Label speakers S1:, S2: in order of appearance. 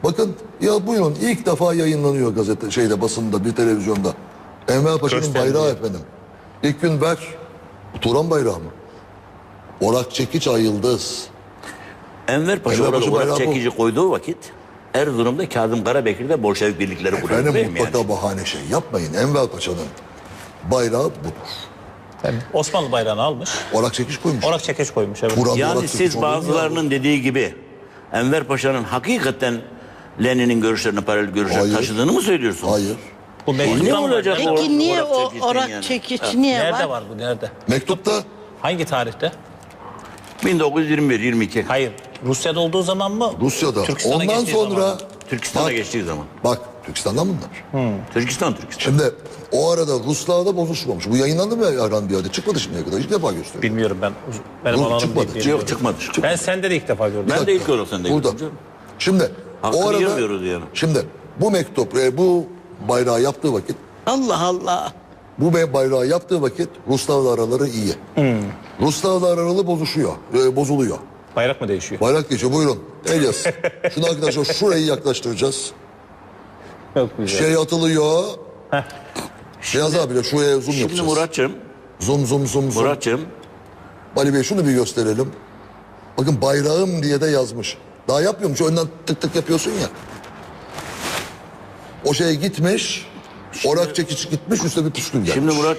S1: Bakın ya buyurun ilk defa yayınlanıyor gazete basında bir televizyonda. Enver Paşa'nın
S2: Gösterdi.
S1: bayrağı efendim. İlk gün ver. Turan bayrağı mı? Orak çekiç ay yıldız.
S3: Enver Paşa
S1: Enver
S3: orada
S1: Paşa
S3: olarak
S1: bayrağı bu.
S3: çekici koyduğu vakit Erzurum'da Kazım Karabekir'de Bolşevik birlikleri kuruyor.
S1: Efendim
S3: değil mi
S1: mutlaka
S3: yani?
S1: bahane şey yapmayın. Enver Paşa'nın bayrağı budur.
S2: Tabii. Osmanlı bayrağını almış.
S1: Orak çekiç koymuş.
S2: Orak çekeç koymuş. Evet.
S1: Buranın
S3: Yani
S1: orak çekiç
S3: siz
S1: olur mu ya?
S3: bazılarının dediği gibi Enver Paşa'nın hakikaten Lenin'in görüşlerine paralel görüşler
S1: Hayır.
S3: taşıdığını mı söylüyorsun?
S1: Hayır.
S2: Bu
S3: Ne
S2: mektuptan var.
S3: olacak
S2: Nerede?
S3: o?
S4: Peki niye
S3: Orak
S4: o
S3: çekiçten
S4: orak
S3: yani.
S4: çekiç niye
S2: Nerede
S4: var?
S2: var bu? Nerede?
S1: Mektupta
S2: Hangi tarihte?
S3: 1921-22.
S2: Hayır. Rusya'da olduğu zaman mı?
S1: Rusya'da.
S2: Türkistan'a
S1: Ondan
S2: geçtiği
S1: sonra
S2: zaman mı?
S3: Türkistan'a
S1: bak,
S3: geçtiği zaman.
S1: bak Türkistan'dan bunlar.
S3: Türkistan.
S1: Şimdi o arada Ruslarla bozuşmamış. Bu yayınlandı mı Erhan bir yerde? Çıkmadı şimdiye kadar. İlk defa gösteriyor.
S2: Bilmiyorum ben. Benim
S1: Yok,
S2: alanım
S1: çıkmadı.
S2: değil.
S3: Yok çıkmadı.
S2: Ben sende de ilk defa gördüm.
S3: Ben de ilk olarak sende
S1: Burada.
S3: gördüm canım.
S1: Şimdi
S3: Hakkını
S1: o arada
S3: yemiyoruz yani.
S1: şimdi bu mektup bu bayrağı yaptığı vakit
S4: Allah Allah.
S1: bu bayrağı yaptığı vakit Ruslarla araları iyi. Ruslarla araları bozuluyor.
S2: Bayrak mı değişiyor?
S1: Bayrak geçiyor. Buyurun. Elias. Şunu arkadaşlar şurayı yaklaştıracağız.
S2: Çok güzel.
S1: Şey atılıyor. Beyaz abi de şuraya zoom
S3: Şimdi
S1: yapacağız.
S3: Murat'cığım,
S1: Zoom.
S3: Murat'cığım
S1: Ali Bey şunu bir gösterelim. Bakın bayrağım diye de yazmış. Daha yapmıyormuş. Önden tık tık yapıyorsun ya. O şey gitmiş. Orak çekiç gitmiş. Üstüne bir püskül gelmiş.
S3: şimdi Murat